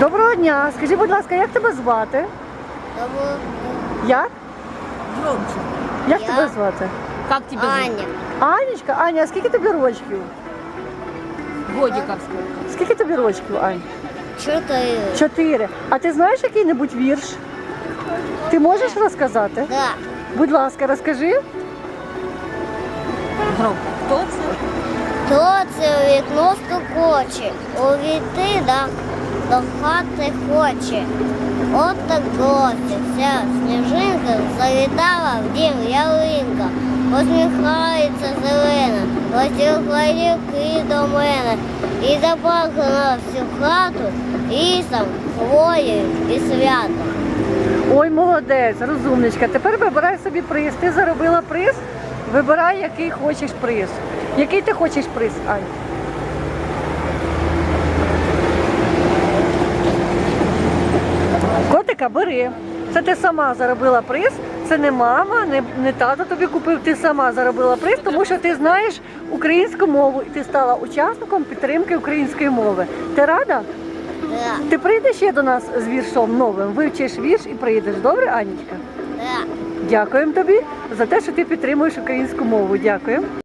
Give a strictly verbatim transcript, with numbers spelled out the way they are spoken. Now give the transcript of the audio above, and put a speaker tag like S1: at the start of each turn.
S1: Доброго дня. Скажи, будь ласка, як тебе звати?
S2: Доброго.
S1: Як?
S3: Громче.
S1: Як
S2: Я?
S1: тебе звати?
S3: Как тебя зовут?
S2: Аня.
S1: Анечка, Аня, а скільки тобі рочків?
S3: Годиков сколько?
S1: Скільки тобі рочків, Ань?
S2: Чотири.
S1: Чотири. А ти знаєш який-небудь вірш? Ти можеш розказати?
S2: Да.
S1: Будь ласка, розкажи.
S3: Громко. Кто це?
S2: То це у вікно стукоче, увійти да, до хати хоче. От так вся сніжинка завітала в дім ялинка. Посміхається зелена, розтілкла ріки до мене. І заплакала всю хату лісом, хвоєю і святом.
S1: Ой, молодець, розумничка. Тепер вибирай собі приз. Ти заробила приз, вибирай, який хочеш приз. Який ти хочеш приз, Ань? Котика, бери. Це ти сама заробила приз. Це не мама, не, не тато тобі купив, ти сама заробила приз, тому що ти знаєш українську мову і ти стала учасником підтримки української мови. Ти рада?
S2: Да.
S1: Ти прийдеш ще до нас з віршом новим, вивчиш вірш і прийдеш. Добре, Анічка?
S2: Да.
S1: Дякуємо тобі за те, що ти підтримуєш українську мову. Дякуємо.